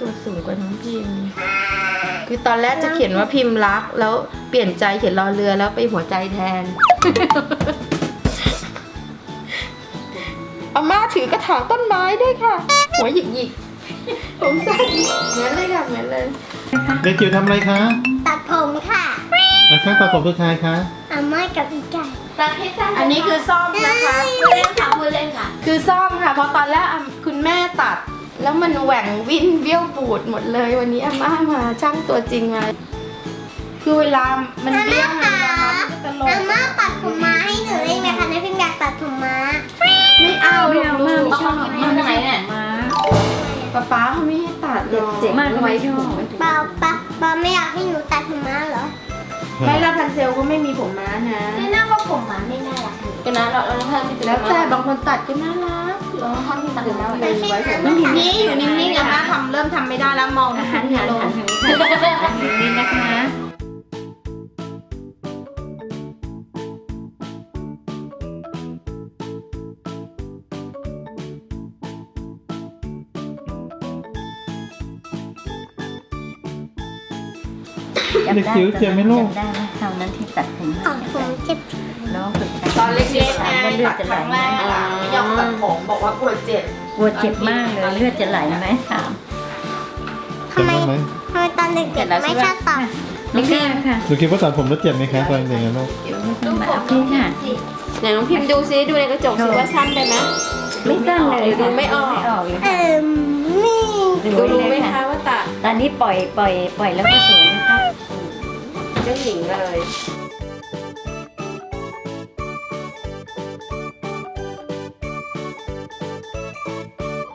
ตัวสูงกว่าน้องพิมพ์คือตอนแรกจะเขียนว่าพิมพ์รักแล้วเปลี่ยนใจเขียนรอเรือแล้วไปหัวใจแทน อาม่าถือกระถางต้นไม้ด้วยค่ะ หัวหยิกๆผมสั้นเหมือนเลยค่ะเหมือนเลยเด็กจิ๋วทำอะไรคะตัดผมค่ะแล้วข้างตาผมคือใครคะอาม่ากับอีไก่ตัดให้สั้นอันนี้คือซ่อมนะคะพูดเล่นค่ะพูดเล่นค่ะคือซ่อมค่ะเพราะตอนแรกคุณแม่ตัด แล้วมันแหว่งวิ่นเบี้ยวปูดหมดเลยวันนี้อาม่ามาช่างตัวจริงมาคือเวลามันเบี้ยวมันนะคะมันก็จะลงอาม่าตัดผมม้าให้หนูได้ไหมคะน้าพิมอยากตัดผมม้าไม่เอาไม่เอามากไม่ชอบเอามากเอาไหนเนี่ยมาป๊าเขาไม่ให้ตัดหรอกเจ็บมากไว้ชอบเปล่าปาไม่อยากให้หนูตัดผมม้าเหรอไม่ละพันเซลก็ไม่มีผมม้านะไม่น่าว่าผมม้าไม่น่ารักเลยก็นะเราท่านที่เป็นแล้วแต่บางคนตัดก็น่ารักเราท่านที่ตัดแล้วเลยไว้ผมนี่อยู่นิ่งๆอะนะเริ่มทำไม่ได้แล้วมองอาหารหัหันลงหันทางนี้ค่ะทางนี้นะคะเด็กจิ๋วเจ็บไหมลูกจำได้ไหมคราวนั้นที่ตัดผมอ๋อผมเจ็บน้องฝึกตอนเล็กๆไงเลือตัดดจะคไหลรั้งไหมแรกอะไม่ยอมตัดผมบอกว่าปวดเจ็บปวดเจ็บมากเลยเลือดจะไหลไหมถามทำไมจำได้ไหมทำไมตอนเด็กๆไม่ชอบตัดไม่แก้ค่ะหนูคิดว่าตัดผมแล้วเจ็บไหมคะตอนเด็กๆนะลูกเดี๋ยวไม่ต้องมาเอาพี่ค่ะไหนน้องพิมพ์ดูซิดูในกระจกซิว่าสั้นไปไหมไม่สั้นเลยดูไม่ออกเลยนี่ดูรู้ไหมคะว่าตัดตอนนี้ปล่อยแล้วก็สวยนะคะเจ้าหญิงเลย